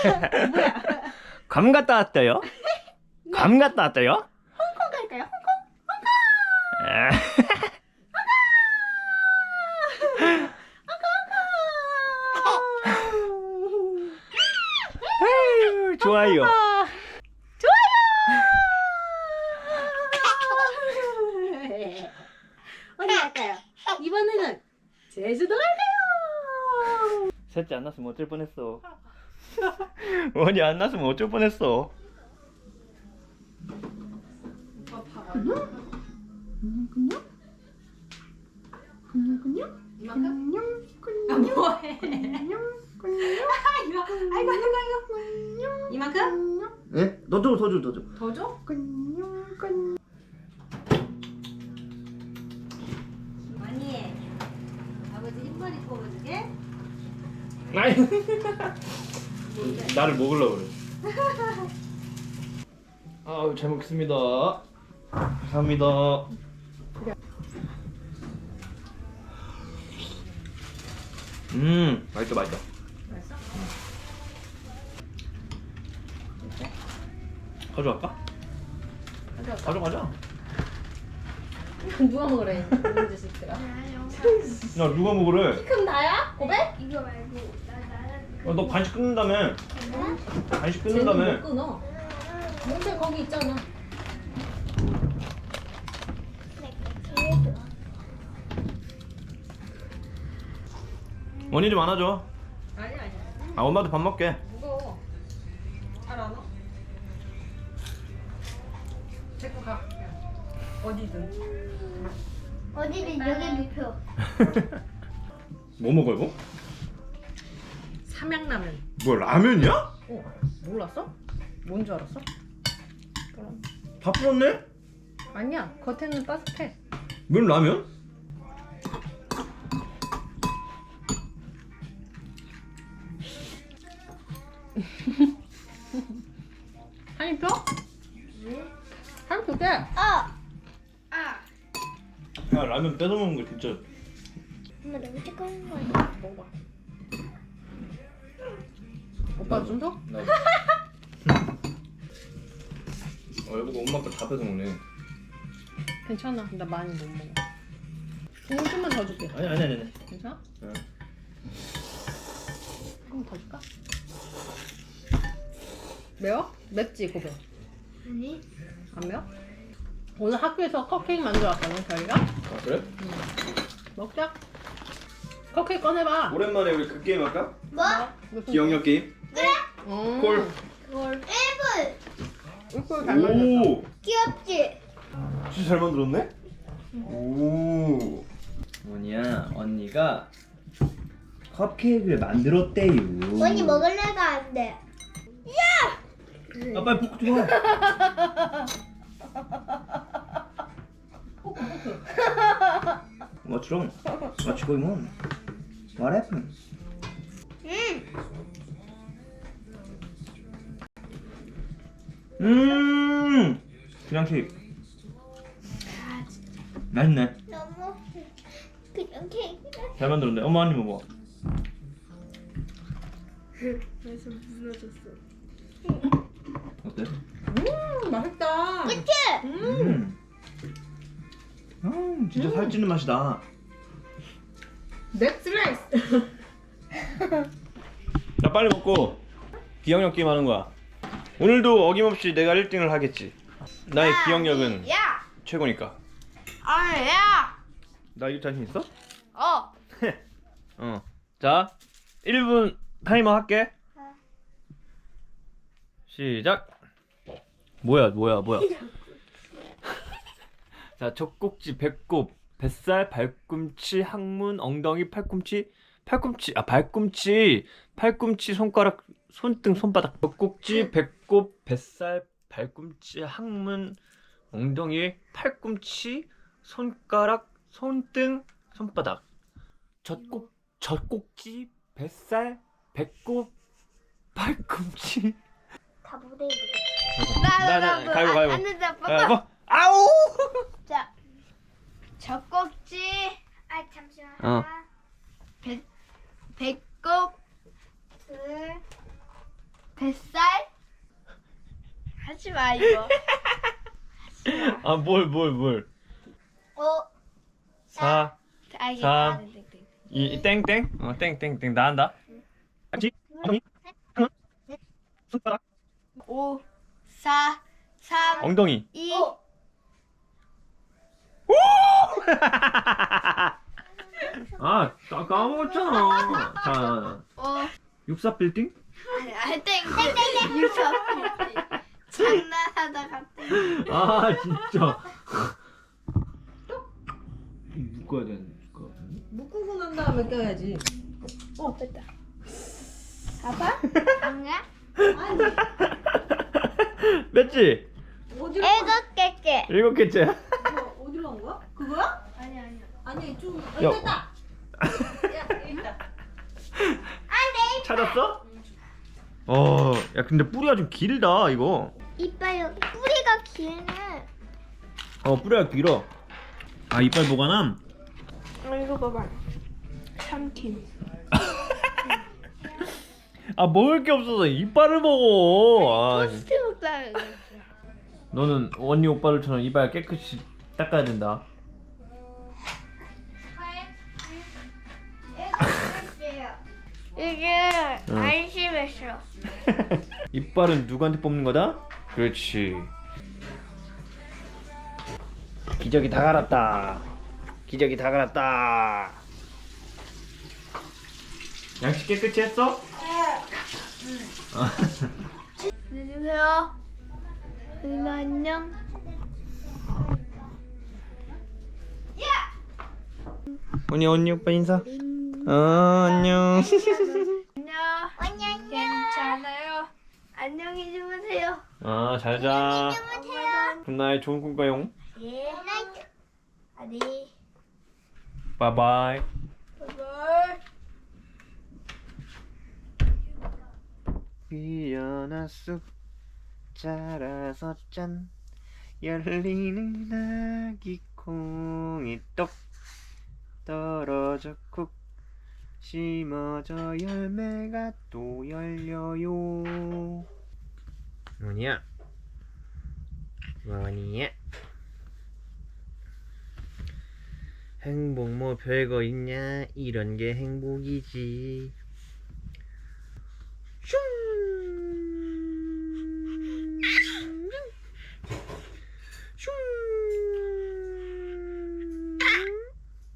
뭐야? 괌 갔다 왔대요? 괌 갔다 왔대요? 홍콩 갈까요? 홍콩? 에휴, 좋아요. 어디 갈까요? 이번에는 제주도 갈까요? 셋째 안 났으면 어쩔 뻔했어. 원이 안 났으면 어쩔 뻔했어. 이만큼? 아, 뭐해? 아이고. 이만큼? 예? 너 줘, 더 줘, 더 줘. 더 줘? 언니, 아버지 흰머리 뽑아주게? 아이. 나를 먹으려고 그래. 아우, 잘 먹겠습니다. 감사합니다. 맛있다, 맛있다. 맛있어? 가져갈까? 가져가자. 누가 먹으래? 이런 자식들아. 야, 누가 먹으래? 그럼 나야? 고백? 이거 말고 너 간식 끊는다며. 간식 쟤는 끊는다며. 못 끊어. 뭔데 거기 있잖아. 원희 좀 안아줘. 아니야. 아, 엄마도 밥 먹게. 무거워. 잘 안 와? 데리고 가. 어디든. 어디든 여기 눕혀. 뭐 먹어, 이거? 삼양라면. 뭐, 라면이야? 어, 몰랐어? 뭔 줄 알았어? 그럼. 다 풀었네? 아니야, 겉에는 바삭해. 웬 라면? 한입 펴? 한입 줄게. 아. 야, 라면 뺏어먹는 거 진짜. 엄마 너무 뜨거운 거 아니야? 먹어봐. 오빠 좀 줘? 여보가 엄마 거 다 뺏어먹네. 괜찮아. 나 많이 못 먹어. 국물 좀만 더 줄게. 아니. 괜찮아? 응. 조금 더 줄까? 매워? 맵지, 고백? 아니. 안 매워? 오늘 학교에서 컵케이크 만들어왔거든, 저희가? 아, 그래? 먹자. 컵케이크 꺼내봐. 오랜만에 우리 그 게임 할까? 뭐? 무슨 기억력 게임? 콜. 그걸 1분. 이걸 잘 만들었어. 오! 귀엽지? 진짜 잘 만들었네? 오. 뭐냐, 언니가 컵케이크를 만들었대요. 언니 먹을래가 안 돼. 아, 빨리 포크 줘. What's wrong? What's going on? What happened? 그냥 케이크. 맛있네. 너무 그냥 케이크가 잘 만들었네. 엄마 한 입 먹어. 그래서 무너졌어. 어때? 맛있다. 그치? 진짜 살찌는 맛이다. 넥스 레이스. 자, 빨리 먹고 기억력 게임 하는 거야. 오늘도 어김없이 내가 1등을 하겠지. 나의 기억력은 야! 최고니까. 야! 나 이거 자신 있어? 어. 자, 1분 타이머 할게. 시작. 뭐야. 자, 젖꼭지, 배꼽, 뱃살, 발꿈치, 항문, 엉덩이, 팔꿈치, 손가락, 손등, 손바닥. 젖꼭지, 배꼽, 뱃살, 발꿈치, 항문, 엉덩이, 팔꿈치, 손가락, 손등, 손바닥. 젖꼭지, 뱃살, 배꼽, 팔꿈치. 다 무대에 가위바위보. 안 된다. 가위바위보. 아우! 자. 젖꼭지. 아, 잠시만. 어. 배꼽. 뱃살? 하지 마 이거. 아, 뭘. 어. 4, 아, 이게 3, 땡, 땡, 땡. 2, 땡땡. 땡땡땡. 나 한다. 같이. 엉덩이. 하나. 손가락. 5, 4, 3, 엉덩이. 2. 아, 까먹었잖아. 자, 64 빌딩? 아니, 땡, 땡, 땡, 유서. 장난하다 갑자기. 아, 진짜. 묶어야 되는 거 같은데? 묶고 난 다음에 껴야지. 됐다. 아빠? 아니야? 뺐지? 어디로? 일곱 개째. 7개째. 어디로 간 거야? 그거야? 아니야. 아니 좀. 야. 됐다. 야 여기 있다. 찾았어? 야, 근데 뿌리가 좀 길다, 이거. 이빨 여기 뿌리가 기네. 뿌리가 길어. 아, 이빨 보관함? 이거 봐봐. 삼킴. 아, 먹을 게 없어서 이빨을 먹어. 아, 토스트 먹자. 너는 언니 오빠들처럼 이빨 깨끗이 닦아야 된다. 이게 응. 안심했어. 이빨은 누구한테 뽑는 거다? 그렇지. 기저귀 다 갈았다. 기저귀 다 갈았다. 양치 깨끗이 했어? 안녕하세요. 누나 안녕. 언니 오빠 인사. 안녕. 안녕. 괜찮아요. 안녕히 주무세요. 잘 자. 주무세요. 굿나잇, 좋은 꿈 꿔요. 예. 아니. 바이바이. 바이바이. 피어나 쑥 자라서 짠 열리는 아기 콩이 똑 떨어져 쿡 심어져 열매가 또 열려요. 뭐냐? 행복 뭐 별거 있냐? 이런 게 행복이지. 슝!